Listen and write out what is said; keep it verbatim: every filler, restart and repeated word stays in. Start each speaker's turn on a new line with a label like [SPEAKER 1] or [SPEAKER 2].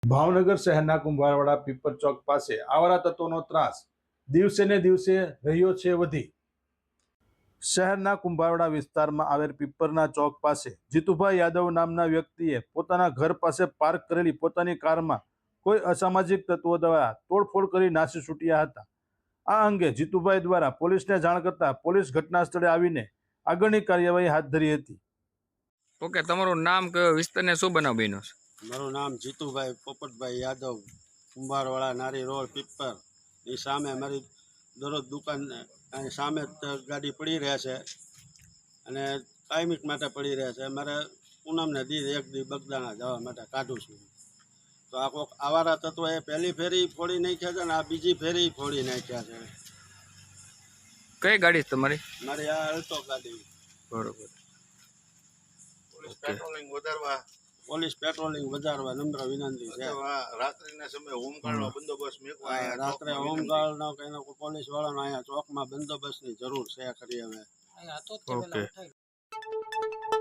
[SPEAKER 1] ભાવનગર શહેરના કુંભારવાડા પીપર ચોક પાસે આવારા તત્વોનો ત્રાસ દિવસે ને દિવસે રહ્યો છે વધી। શહેરના કુંભારવાડા વિસ્તારમાં આવેલ પીપરના ચોક પાસે જીતુભાઈ યાદવ નામના વ્યક્તિએ પોતાના ઘર પાસે પાર્ક કરેલી પોતાની કારમાં કોઈ અસામાજિક તત્વો દ્વારા તોડફોડ કરી નાસી છૂટ્યા હતા। આ અંગે જીતુભાઈ દ્વારા પોલીસને જાણ કરતા પોલીસ ઘટના સ્થળે આવીને આગળની કાર્યવાહી હાથ ધરી હતી।
[SPEAKER 2] ઓકે, તમારું નામ કયો, વિસ્તારને શું બનાવ બન્યો છે?
[SPEAKER 3] મારું નામ જીતુભાઈ પોપટભાઈ યાદવ, કુંભારવાળા નારી રોડ પીપર ની સામે મારી દરરોજ દુકાન અહીં સામે જ ગાડી પડી રહે છે અને કાયમિક માટે પડી રહે છે। મારે પૂનમને દી એક દી બગદાણા જવા માટે કાઢું છું, તો આ કોઈક આવારા તત્વો એ પહેલી ફેરી ફોડી નાખ્યા છે ને આ બીજી ફેરી ફોડી નાખ્યા છે।
[SPEAKER 2] કઈ ગાડી છે તમારી?
[SPEAKER 3] મારી આ અલ્ટો ગાડી।
[SPEAKER 2] બરોબર।
[SPEAKER 4] પોલીસ પેટ્રોલિંગ વધારવા
[SPEAKER 3] પોલીસ પેટ્રોલિંગ વધારવા નમ્ર વિનંતી છે।
[SPEAKER 4] રાત્રિના સમયે હોમગાર્ડનો બંદોબસ્ત મેકવા
[SPEAKER 3] આ રાત્રે હોમગાર્ડનો કે એનો પોલીસ વાળાનો અહીંયા ચોકમાં બંદોબસ્તની જરૂર છે ખરી હવે।
[SPEAKER 2] ઓકે।